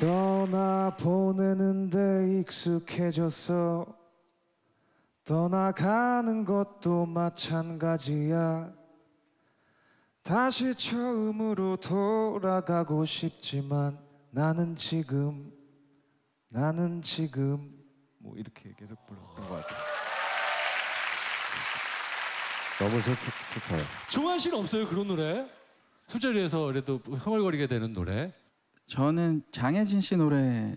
떠나보내는데 익숙해졌어. 떠나가는 것도 마찬가지야. 다시 처음으로 돌아가고 싶지만 나는 지금 뭐 이렇게 계속 불렀던 것 같아요. 너무 슬퍼요. 종환 씨는 없어요 그런 노래? 술자리에서 그래도 흥얼거리게 되는 노래? 저는 장혜진 씨 노래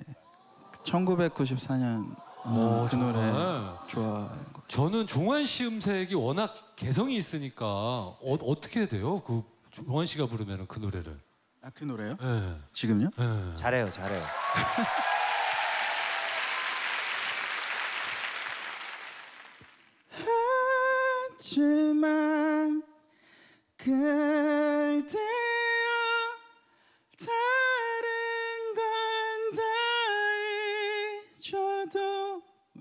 1994년 그 노래 좋아하는 거. 저는 종환 씨 음색이 워낙 개성이 있으니까 어떻게 돼요? 그 종환 씨가 부르면 그 노래를. 아, 그 노래요? 네. 지금요? 네. 잘해요. 하지만 그대여 다른 건 다 잊어도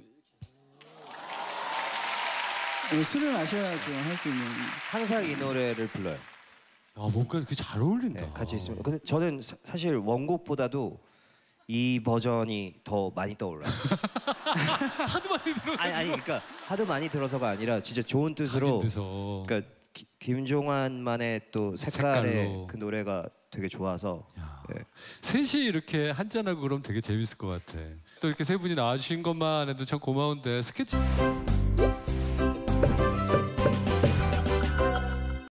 술을 마셔야죠 할 수 있는. 항상 이 노래를 불러요. 아 뭔가 이렇게 잘 어울린다. 네, 같이 있으면. 근데 저는 사실 원곡보다도 이 버전이 더 많이 떠올라요. 하도 많이 들어서. 아니 그러니까 하도 많이 들어서가 아니라 진짜 좋은 뜻으로. 그러니까 김종환만의 또 색깔의 색깔로. 그 노래가 되게 좋아서. 네. 셋이 이렇게 한잔하고 그러면 되게 재밌을 것 같아. 또 이렇게 세 분이 나와주신 것만 해도 참 고마운데 스케치.